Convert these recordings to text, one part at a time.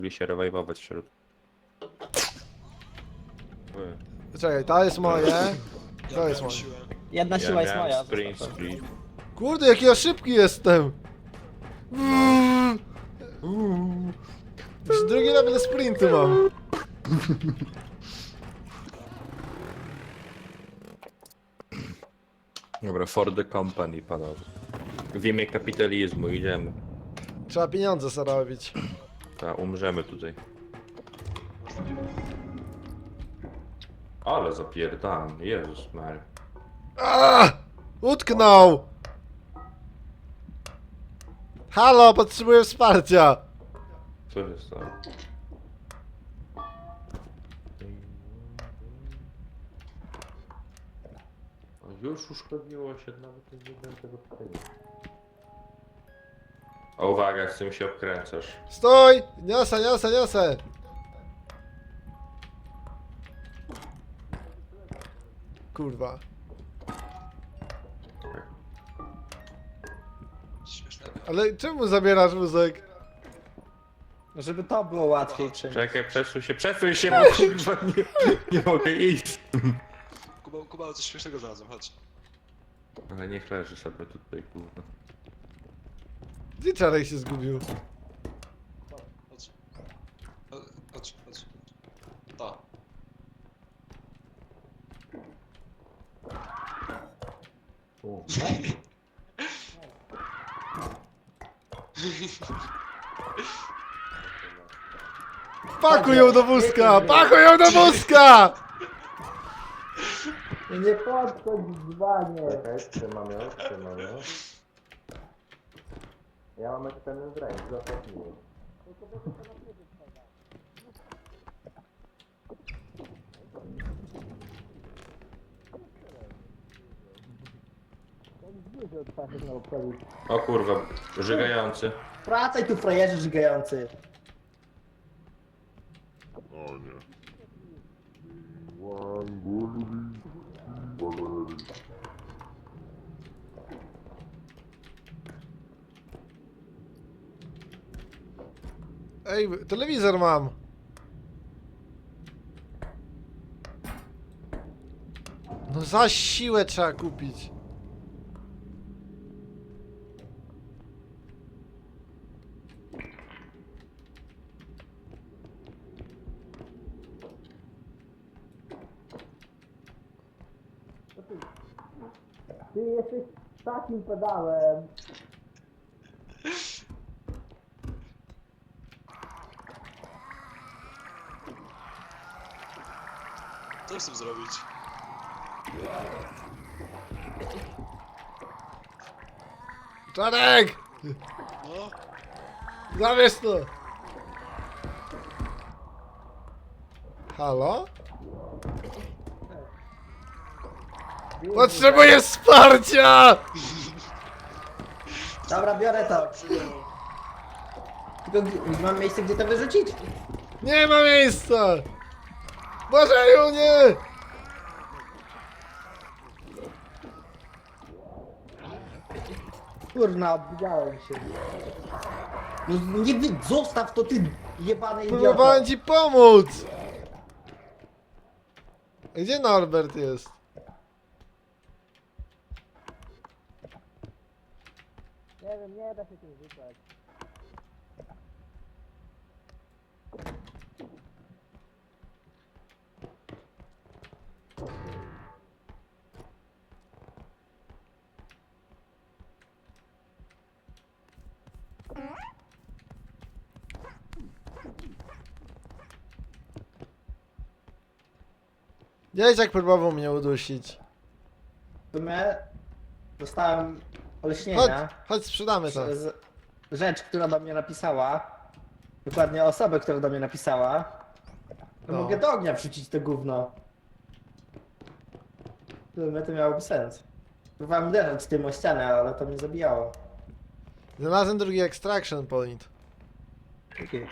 Mogli się rewajwować wśród. Czekaj, to jest moje. To jest moje. Jedna Ja siła jest miałem moja. sprint zostaw to. split. Kurde, jaki ja szybki jestem! Już drugi level sprintu mam. Dobra, for the company, panowie. W imię kapitalizmu idziemy. Trzeba pieniądze zarobić. Ta, umrzemy tutaj. Ale zapierdam, Jezus Mary. Utknął! Halo, potrzebuję wsparcia! Co się stało? Już uszkodniło się, nawet nie wiem tego pytania. O, uwaga, z tym się obkręcasz. Stój! Niosę, niosę, niosę! Kurwa. Ale czemu zabierasz wózek? Żeby to było łatwiej czymś. Czekaj, przesuń się, bo kurwa nie mogę iść. Kuba, coś śmiesznego znalazłem, chodź. Ale niech leży sobie tutaj, kurwa. Gdzie Czarek się zgubił? Chodź. Chodź. To. Pakuj ją do wózka! Pakuj ją do wózka! Nie podchodź dzwanie. Czekaj, trzymam ją. Ja mam eksperiment w ręku, zapewnię. O kurwa, żygający. Wracaj tu, frajerzy żygający. Ej, telewizor mam. No za siłę trzeba kupić. Ty jesteś takim pedałem. Co chcę zrobić? Czarek! No, Zabierz to! Halo? Potrzebuję wsparcia! Dobra, biorę to. Tylko mam miejsce, gdzie to wyrzucić? Nie ma miejsca! Błażeju, nie! Kurna, obwidziałem się. No nie zostaw to, ty jebany idioto. Próbowałem ci pomóc! Gdzie Norbert jest? Nie wiem, nie da się tym rzucać. Dzieciak próbował mnie udusić. W sumie dostałem Chodź, olśnienia chodź sprzedamy to. przez rzecz, która do mnie napisała. Dokładnie osobę, która do mnie napisała. To No. mogę do ognia wrzucić to gówno. W sumie to miałoby sens. Próbowałem uderzać tym o ścianę, ale to mnie zabijało. Znalazłem drugi extraction point. Okay.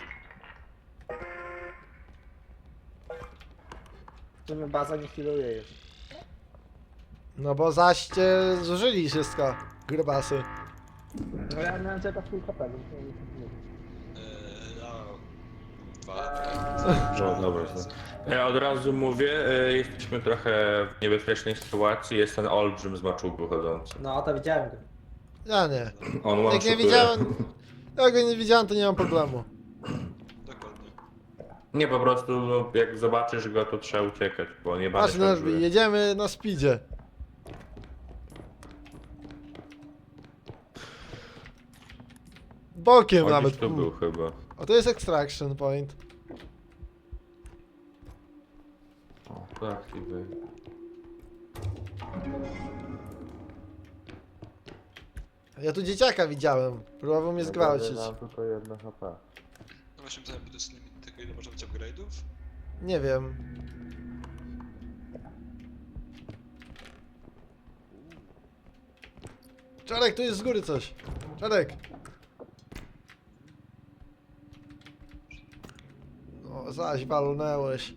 W sumie baza nie healuje już. No bo zaście zużyli wszystko, grubasy. No ja miałem czeka w pół kapelu. ja No dobra. Ja od razu mówię, jesteśmy trochę w niebezpiecznej sytuacji. Jest ten olbrzym z maczugu chodzący. No, to widziałem go. Ja nie. On Jak one-shotuje. nie widziałem... Jak go nie widziałem, to nie mam problemu. Dokładnie. Nie, po prostu no, jak zobaczysz go, to trzeba uciekać, bo nie Patrz, będę Nerby, jedziemy na speedzie. Bokiem On nawet. gdzieś tu był chyba. A to jest extraction point. O, tak, i wy. Ja tu dzieciaka widziałem. Próbował mnie zgwałcić. Mam tylko jedno HP. No właśnie pytałem, by to jest limit tego, ile można mieć upgrade'ów? Nie wiem. Czarek, tu jest z góry coś. Czarek. No, zaś walnęłeś.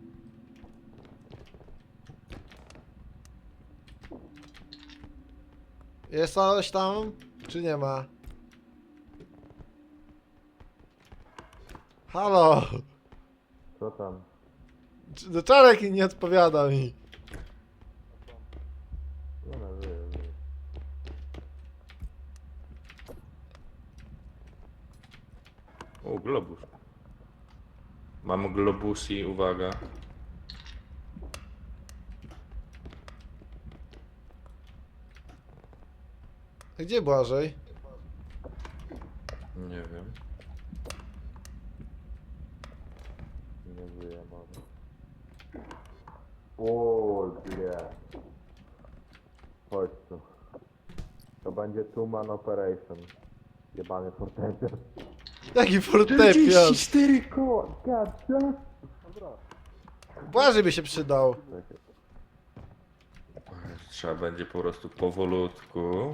Jest coś tam? Czy nie ma? Halo! Co tam? No Czarek nie odpowiada mi. No, no, żyję. O, globus. Mam globusi, uwaga. Gdzie Błażej? Nie wiem. Nie żyję może. O, źle. Chodź tu. To będzie two-man operation. Jebany fortepian. Jaki fortepian? 4 koła, gadza. Błażej by się przydał. Trzeba będzie po prostu powolutku.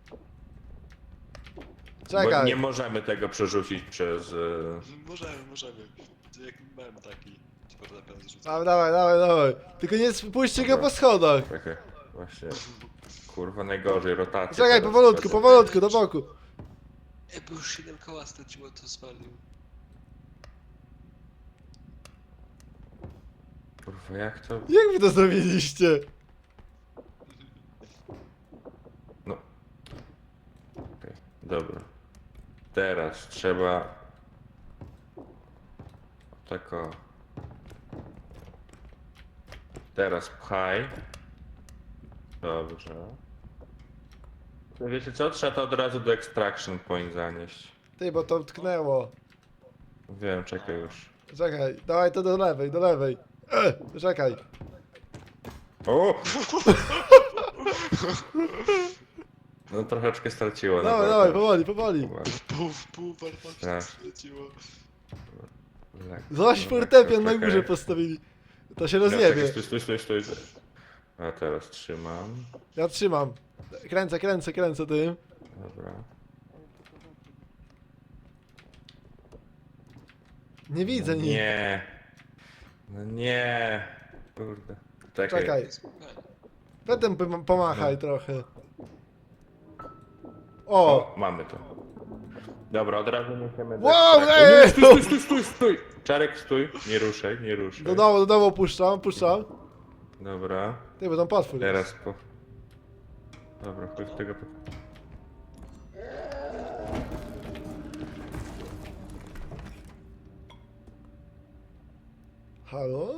Bo Czekaj. nie możemy tego przerzucić przez... Możemy. Jak mem taki. Ci fortepian zrzucę. Dawaj. Tylko nie spuśćcie go po schodach. Czekaj, właśnie. Kurwa, najgorzej, rotacja. Czekaj, teraz. powolutku, do boku. Bo już 7 koła straciło, to spalił. Kurwa, jak to... Jak wy to zrobiliście? No. Okej, dobra. Teraz trzeba... Tak o. Teraz pchaj. Dobrze. To wiecie co? Trzeba to od razu do extraction point zanieść. Ty, bo to tknęło. Wiem, czekaj już. Czekaj, dawaj to do lewej. Czekaj. O! No troszeczkę straciło. Dawaj, powoli. Pół wartości Tak. straciło. Zaś fortepian na górze postawili. To się rozjebie. Stój. A teraz trzymam. Ja trzymam. Kręcę tym. Dobra. Nie widzę nic. Nie. No nie. Kurde. Czekaj. Potem pomachaj trochę. O! O, mamy to. Dobra, od razu niesiemy do Wow, ekstraktu. ej! Stój! Czarek, stój. Nie ruszaj. Do dołu puszczam. Dobra. Ty, bo tam potwór jest. Teraz po... Dobra, chodź tego... Halo?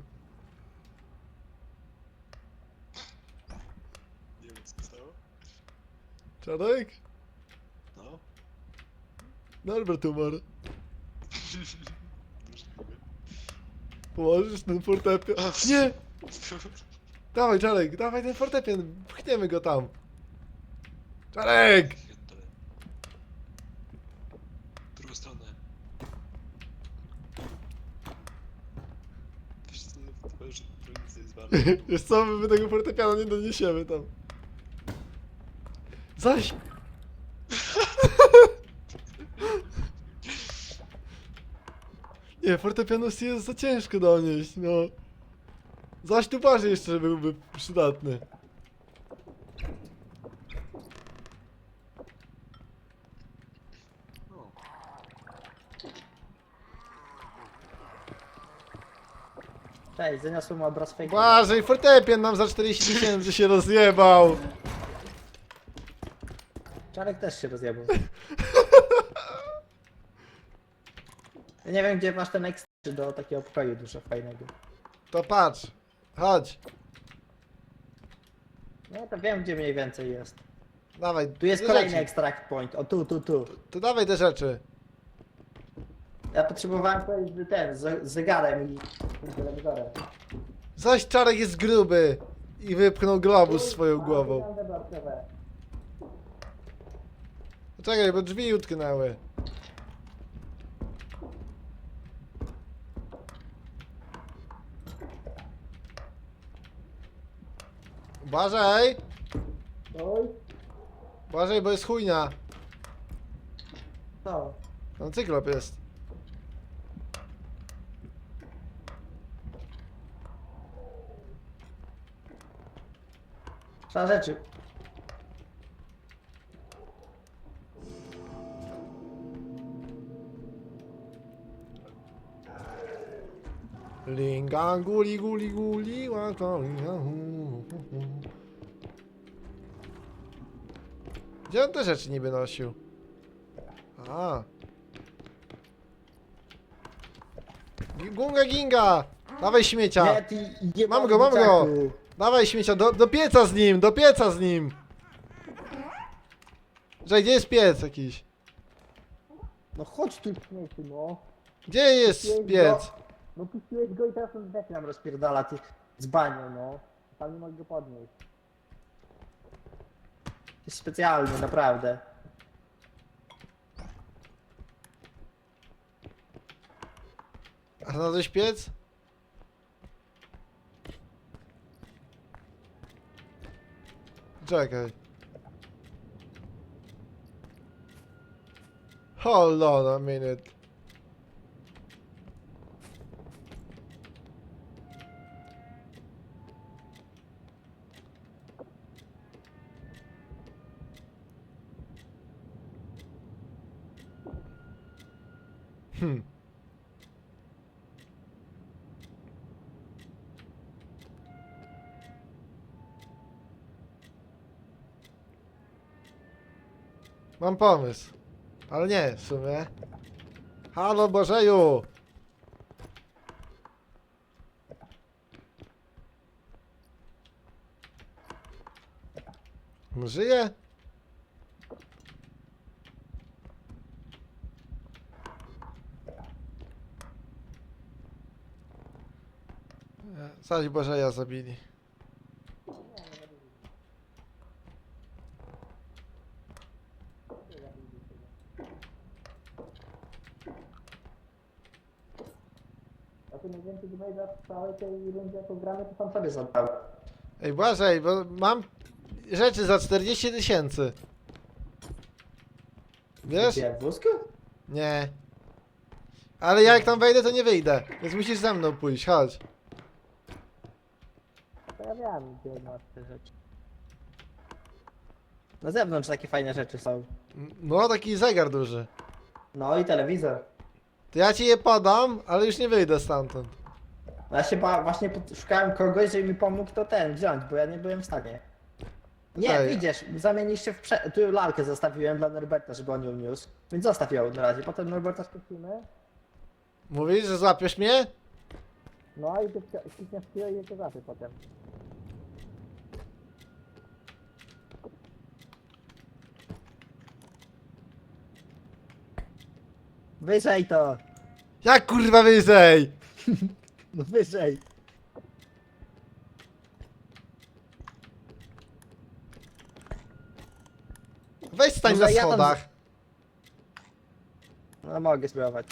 Nie wiem, co się stało. Czarek? No. Norbert umarł. Już nie mówię. Położysz ten fortepian? Nie! Dawaj Czarek, dawaj ten fortepian. Pchniemy go tam. Czarek! Pierdolę. W drugą stronę. Wiesz co, to już nic nie jest warte. Wiesz co, my tego fortepianu nie doniesiemy tam. Zaś! Nie, fortepianu jest za ciężko donieść, no. Zaś tu bardziej jeszcze byłby przydatny. No. Cześć, zaniosłem obraz fake. Błażej, fortepian nam za 40 000 się rozjebał. Czarek też się rozjebał. Ja nie wiem, gdzie masz ten ekstra do takiego pokoju dużo fajnego. To patrz, chodź. No to wiem, gdzie mniej więcej jest. Dawaj, Tu jest te kolejny rzeczy. extract point. O, tu. To dawaj te rzeczy. Ja potrzebowałem powiedzieć, że ten, z zegarem i telewizorem. Zaś Czarek jest gruby i wypchnął globus swoją głową. Czekaj, bo drzwi utknęły. Błażej! Oj, Błażej, bo jest chujnia. co? Tam cyklop jest. Trzeba rzeczy. Linga guli guli guli łaka, linga, hu. Gdzie on te rzeczy niby nosił? A. Gunga ginga! Dawaj śmiecia! Nie, ty nie Mam go, mam go! dzieciaku. Dawaj śmiecia, do pieca z nim, do pieca z nim! Że gdzie jest piec jakiś? No chodź tu, śmieci, no. Gdzie jest piec? No puściłeś go i teraz on zdech nam rozpierdala, ty z banią, no. Tam nie mogę go podnieść. Jest specjalny, naprawdę. A znalazłeś piec? Czekaj. Hold on a minute. Hmm. Mam pomysł. Ale nie, w sumie. Halo Bożeju! Żyje? Zaś Bożeja zabili. A ty najwięcej damage'a w całej tej rundzie, jaką gramy, to sam sobie zadał. Ej Błażej, bo mam rzeczy za 40 000. Wiesz? Gdzie, w wózku? Nie. Ale jak tam wejdę, to nie wyjdę. Więc musisz ze mną pójść, chodź. To ja wiem, gdzie masz te rzeczy. Na zewnątrz takie fajne rzeczy są. No, taki zegar duży. No i telewizor. To ja ci je podam, ale już nie wyjdę stamtąd. No ja się właśnie szukałem kogoś, żeby mi pomógł to ten wziąć, bo ja nie byłem w stanie. Nie, Ej. wyjdziesz, zamienisz się w tu lalkę zostawiłem dla Norberta, żeby on ją niósł. Więc zostaw ją na razie, potem Norberta spustimy. Mówisz, że złapiesz mnie? No i ty klikniesz chwilę i to złapie potem. Wyżej to! Jak kurwa wyżej? No wyżej! Weź stań Może na ja tam schodach. No mogę spróbować.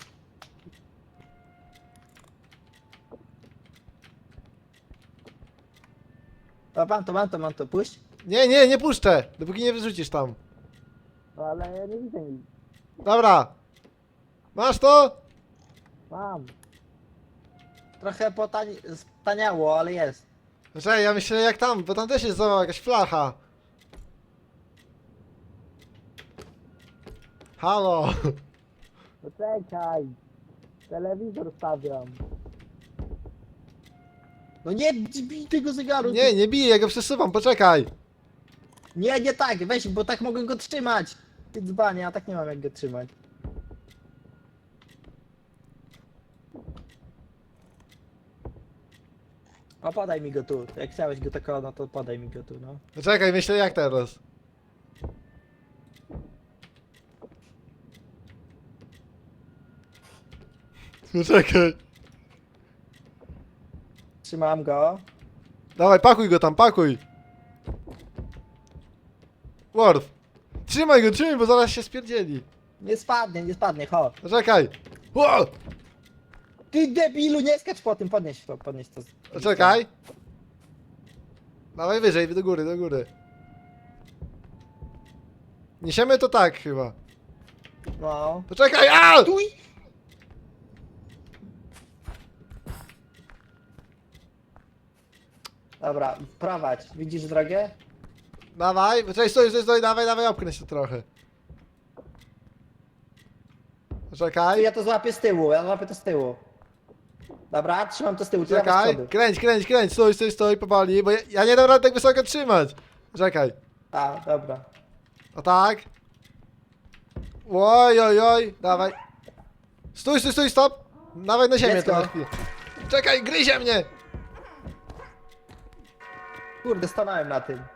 O, mam to, puść. Nie, nie, nie puszczę, dopóki nie wyrzucisz tam. No ale ja nie widzę nic. Dobra. Masz to? Mam. Trochę staniało, ale jest. Czekaj, ja myślę jak tam, bo tam też jest zobacz, jakaś flacha. Halo. No czekaj. Telewizor stawiam. No nie bij tego zegaru! Nie, nie biję, ja go przesuwam, poczekaj. Nie, nie tak, weź, bo tak mogę go trzymać. Ty dzbanie, a tak nie mam jak go trzymać. O, podaj mi go tu. Jak chciałeś go tak, no to podaj mi go tu, no. Poczekaj, myślę jak teraz. Poczekaj. Trzymam go. Dawaj, pakuj go tam, pakuj. Worf. Trzymaj go, bo zaraz się spierdzieli. Nie spadnie, chodź. Poczekaj. Ło! Ty debilu, nie skacz po tym, podnieś to. Poczekaj. Dawaj wyżej, do góry, do góry. Niesiemy to tak chyba. No. Poczekaj, a! Tuj! Dobra, prowadź. Widzisz drogę? Dawaj, poczekaj, stój, dawaj, opchnę się trochę. Poczekaj, Ja to złapię z tyłu, ja złapię to z tyłu. Dobra, trzymam to z tyłu, ty dawaj z czekaj, przodu. kręć, stój, powoli, bo ja nie dam rady tak wysoko trzymać. Czekaj, A, dobra. o tak. Oj, dawaj. Stój, stop. Dawaj na ziemię Dziecko. to na chwilę. Czekaj, gryzie mnie. Kurde, stanąłem na tym.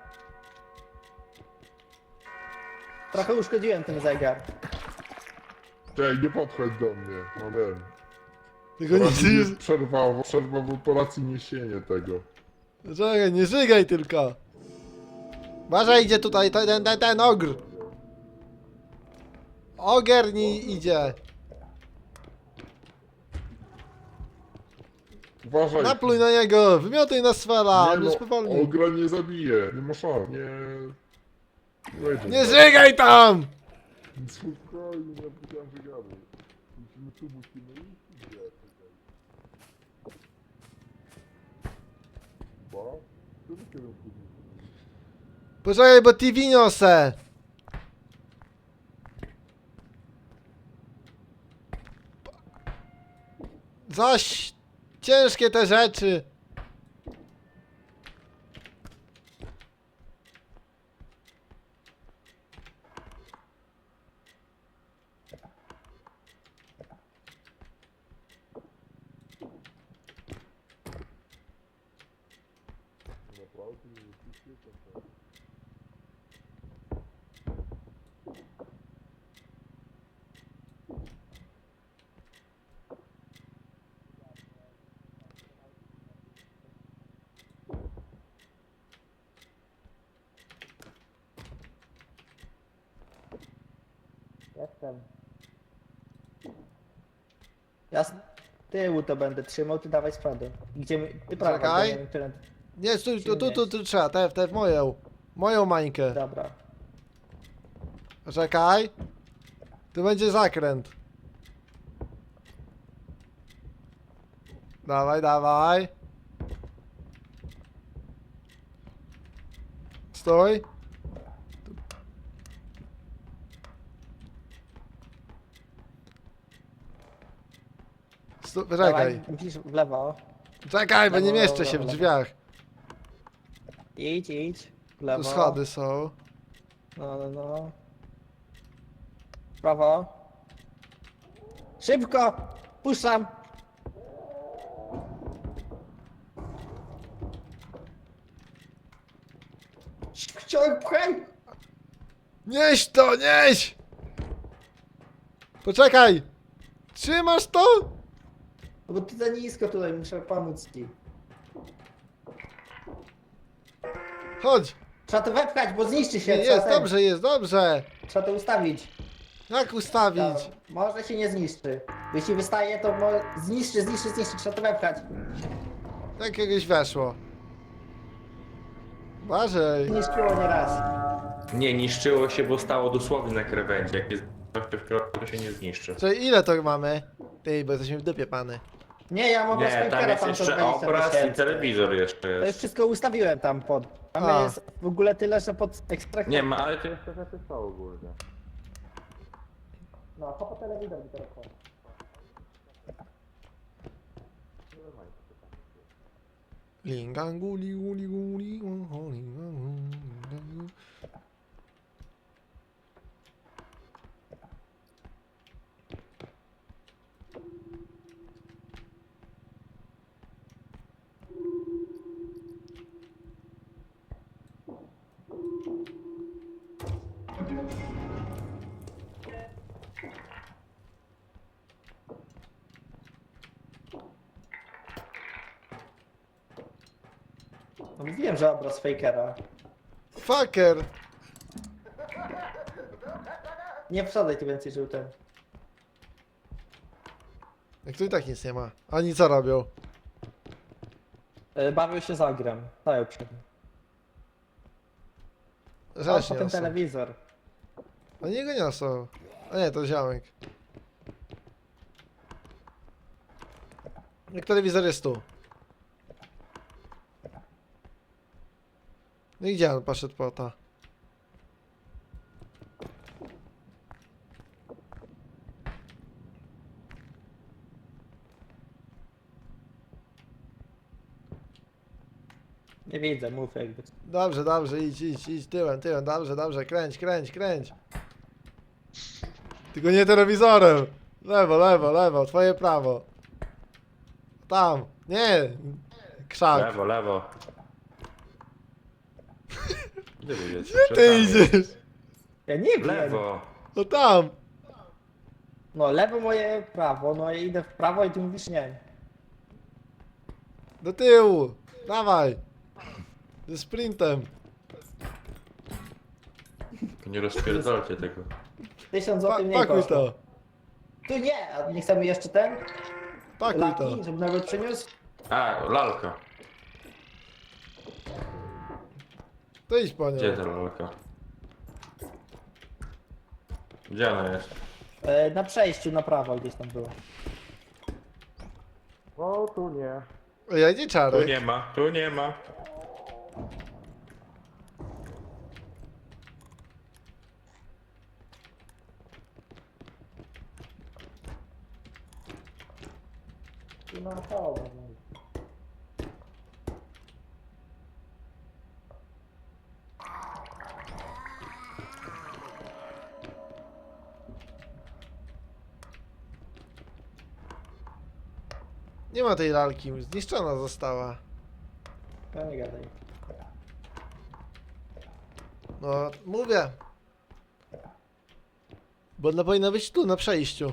Trochę uszkodziłem ten zegar. Czekaj, nie podchodź do mnie, no wiem. Tylko nie Teraz mi przerwa w operacji niesienie tego. Czekaj, nie żygaj tylko. Uważaj, idzie tutaj ten ogr. Ogier nie idzie. Uważaj. Napluj na niego, wymiotuj na swela, Nie on jest no, powolny. ogra nie zabije, nie ma szans, nie... Nie wejdzie. Nie żygaj tam! Spokojnie, nie powiedziałem, że gamy. Musimy iść, gdzie? Ba? Co ty kierunku? Poczekaj, bo TV niosę. Zaś ciężkie te rzeczy. Naprawdę nie jesteście tam. Jestem. Ja z tyłu to będę trzymał, ty dawaj z przodu. Gdzie my... Ty prawa, Czekaj. bo nie wiem, którędy. Nie, stój, tu trzeba, te w moją mańkę. Dobra. Czekaj. Tu będzie zakręt. Dawaj. Stój. Czekaj. Dawaj, musisz w lewo. Czekaj, bo nie Lewo, mieszczę się w lewo. drzwiach. Idź. W lewo. Tu schody są. No. Prawo. Szybko! Puszczam! Chciałem pchaj! Nieś to, nieś! Poczekaj! Trzymasz to? No bo ty za nisko tutaj, muszę pomóc ci. Chodź! Trzeba to wepchać, bo zniszczy się. Jest dobrze. Trzeba to ustawić. Jak ustawić? Dobra. Może się nie zniszczy. Jeśli wystaje, to zniszczy. Trzeba to wepchać. Jakiegoś weszło. Uważaj. Zniszczyło nieraz. Nie, niszczyło się, bo stało dosłownie na krawędzi. Jak jest coś w środku, to się nie zniszczy. Czyli ile to mamy? Ty, bo jesteśmy w dupie, pany. Nie, ja mam Nie, tam jest jeszcze obraz i telewizor jeszcze To już jest. wszystko ustawiłem tam pod. Tam A. jest w ogóle tyle, że pod ekstrakt. Nie ma, ale to jeszcze rzeczy są ogólnie. No, po telewizor mi teraz chodzi. Lingangu, ligu, ligu, ligu, lingangu. No mówiłem, że obraz fakera. Fucker! Nie wsadzaj tu więcej żółtem. Jak tu i tak nic nie ma. Ani co robią? Bawił się z ogrem. Dają przed nim. A Rzecz potem niosą. telewizor. Oni go niosą. A nie, to ziomek. Jak telewizor jest tu. No i gdzie on poszedł po to? Nie widzę, mów jakby. Dobrze, dobrze, idź, tyłem, dobrze, kręć. Tylko nie telewizorem. Lewo, twoje prawo. Tam, nie, krzak. Lewo. Gdzie wy idziecie? Gdzie ty idziesz? Ja nie wiem. Lewo. No tam. No lewo moje prawo, no i idę w prawo i ty mówisz nie. Do tyłu, dawaj. Ze sprintem. Nie rozpierdolcie tego. 1000 zł mniej Pakuj kosztuje. to, Tu nie, a nie chcemy jeszcze ten? pakuj to. Laki, żeby nawet przyniósł? A, lalka. To idź po nią. Gdzie ta lalka? Gdzie ona jest? Na przejściu na prawo gdzieś tam było. O, tu nie. Ja idzie Tu czarek. nie ma. Tu na prawo. Nie ma tej lalki, zniszczona została. No nie gadaj. No, mówię. Bo ona powinna być tu, na przejściu.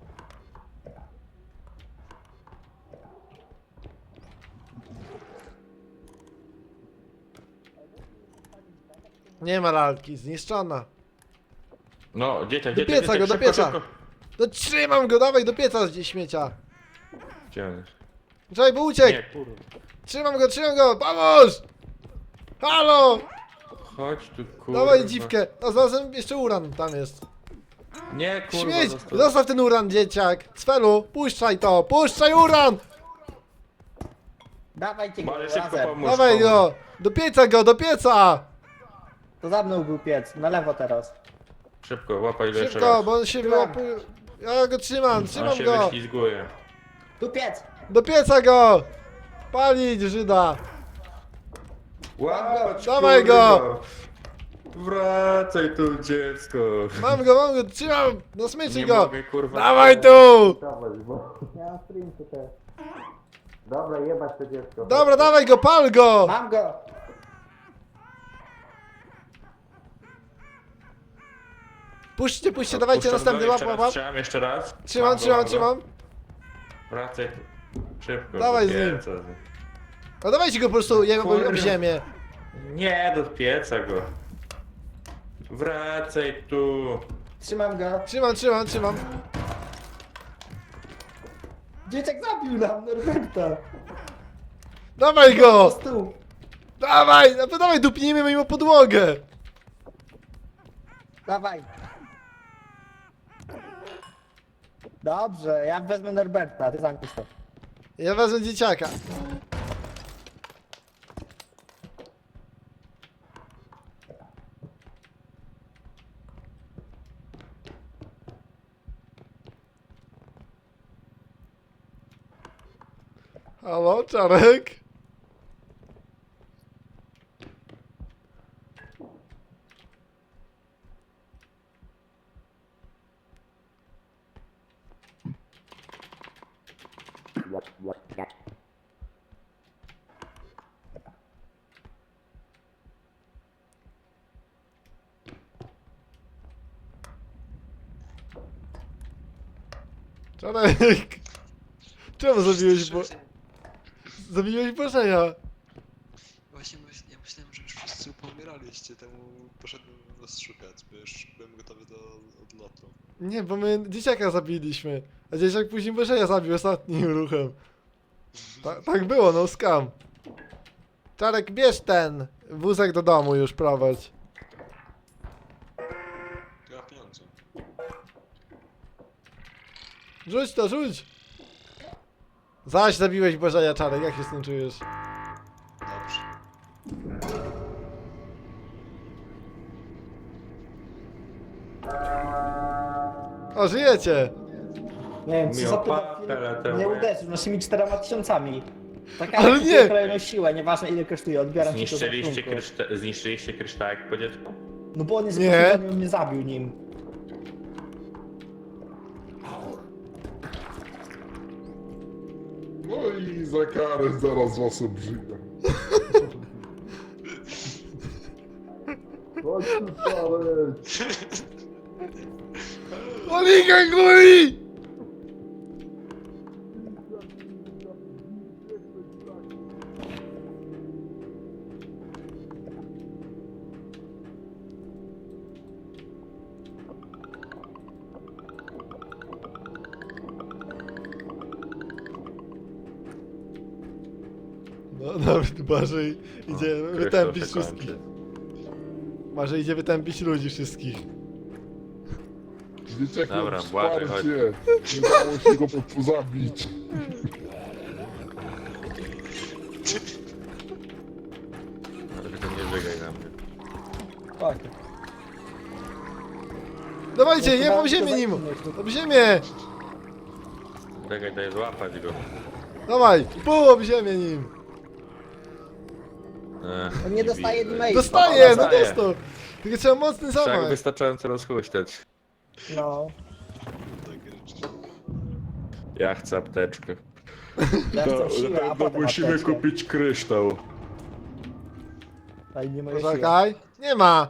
Nie ma lalki, zniszczona. No, dzieciak, Do dzieciak, pieca go, do szybko, pieca. szybko. No trzymam go, dawaj do pieca gdzie śmiecia. Gdzie on jest? Czekaj, bo uciekł. Nie, kurwa. Trzymam go, pomóż! Halo! Chodź tu, kurwa. Dawaj dziwkę. A znalazłem jeszcze uran, tam jest. Nie, kurwa. Śmieć! zostaw. Zostaw ten uran, dzieciak! Cfelu, puszczaj to! Puszczaj uran! Dawajcie go Ale szybko razem. pomóż. Dawaj go! Do pieca go, do pieca! To za mną był piec, na lewo teraz. Szybko, łapaj go jeszcze Szybko, raz. bo on się wyłapuje. Ja go trzymam, On trzymam się go! wyślizguje. Tu piec! Do pieca go! Palić Żyda! Łapać, Dawaj kurwa. go! Wracaj tu, dziecko. Mam go, trzymam! Na smyczy Nie go! mogę, kurwa. Dawaj tu! Dawaj, bo... Ja mam sprintu też. Dobra, jebać to dziecko. Dobra, dawaj go, pal go! Mam go! Puśćcie, dawajcie Puszczam następny go, łap, jeszcze łap, raz, łap. Trzymam jeszcze raz. Trzymam, Mam go, trzymam, mam go. trzymam. Wracaj. Szybko. Dawaj do z nim. pieca. No dawajcie go po prostu, jego Kurde. об ziemię. Nie, do pieca go. Wracaj tu. Trzymam go. Trzymam. Dzieciak zabił nam Norberta. Dawaj Po go! stół. Dawaj, dupnijmy mu podłogę! Dawaj. Dobrze, ja wezmę Norberta, ty zamknij to. Ja wezmę dzieciaka. Halo, Czarek? Czarek! Czemu zabiłeś Zabiłeś Bożeja? Właśnie ja myślałem, że już wszyscy pomieraliście, temu poszedłem was szukać, bo już byłem gotowy do odlotu. Nie, bo my dzieciaka zabiliśmy. A dzieciak później Bożeja zabił ostatnim ruchem. Tak było, no scam. Czarek, bierz ten wózek do domu już prowadź. Ja pieniądze. Rzuć to, rzuć! Zaś zabiłeś Bożeja, Czarek, jak się z tym czujesz? Dobrze. O, żyjecie! Nie wiem, co za Miopatele, nie uderzył naszymi 4000. Taka Ale nie! kolejną siłę, nieważne ile kosztuje, odbieram ci to do rachunku. Zniszczyliście kryształek po dziecku? No bo on jest Nie. poświęcony, on mnie zabił nim. No i za karę zaraz was obrzygam. Chodź tu, Czarek! Oliga góri! No nawet Marzej idzie wytępić Kryształ się wszystkich. kończy. Marzej idzie wytępić ludzi wszystkich. Dzieciak miał Dobra, Błażej, wsparcie. Nie dało się go zabić. Ale tylko nie żygaj na mnie. Tak. Dawajcie, No, nie chyba ob ziemię to nim! zajmujesz, Ob ziemię! Czekaj, daj złapać go. Dawaj, pół ob ziemię nim! On nie dostaje widzę. damage'a. Dostaje, no dostaje. dostał! Tylko trzeba mocny Trzeba go zamach. wystarczająco rozhuśtać. No. Takie rzeczy. Ja chcę apteczkę. Ja chcę siłę, a potem musimy apteczkę. kupić kryształ. Ale nie moja siła. Poczekaj. Nie ma.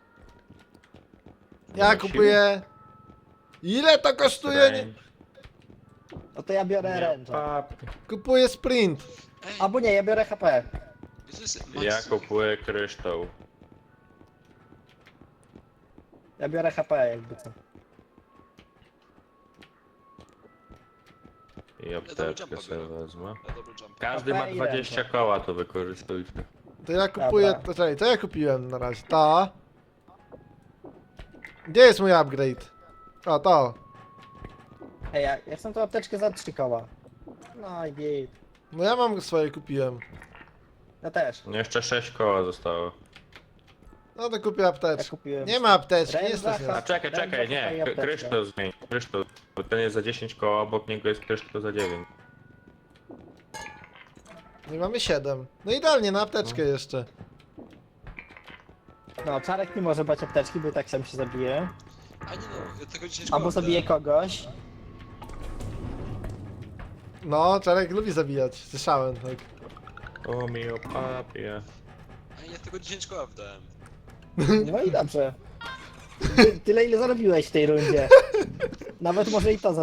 Ja ma kupuję. Ile to kosztuje? Nie... No to ja biorę ręczę. Kupuję sprint. Ej, Albo nie, ja biorę HP. to jest Max. Ja kupuję kryształ. Ja biorę HP jakby co. I apteczkę sobie wezmę. Ja dobry jump. Każdy ma HP i 20 ręce. koła, to wykorzystujcie. To ja kupuję. Dobra. To czekaj, to ja kupiłem na razie. Ta. Gdzie jest mój upgrade? O, to. Ej, ja chcę tą apteczkę za 3 koła. No i git. No ja mam swoje kupiłem. Ja też. No jeszcze 6 koła zostało. No to kupię Ja apteczkę. kupiłem. Nie ma apteczki, nie Ręce, stać A nas. czekaj, Daj czekaj, mi nie. apteczkę. Kryształ zmień. Kryształ. Bo ten jest za 10 koła, obok niego jest kryształ za 9. No i mamy 7. No idealnie, na apteczkę jeszcze. No, Czarek nie może brać apteczki, bo i tak sam się zabije. A nie no, ja tego 10 Albo koła zabije kogoś. No, Czarek lubi zabijać. Słyszałem, tak. O mio papie. A ja tego 10 koła wdałem. No i dobrze. Tyle ile zarobiłeś w tej rundzie. Nawet może i to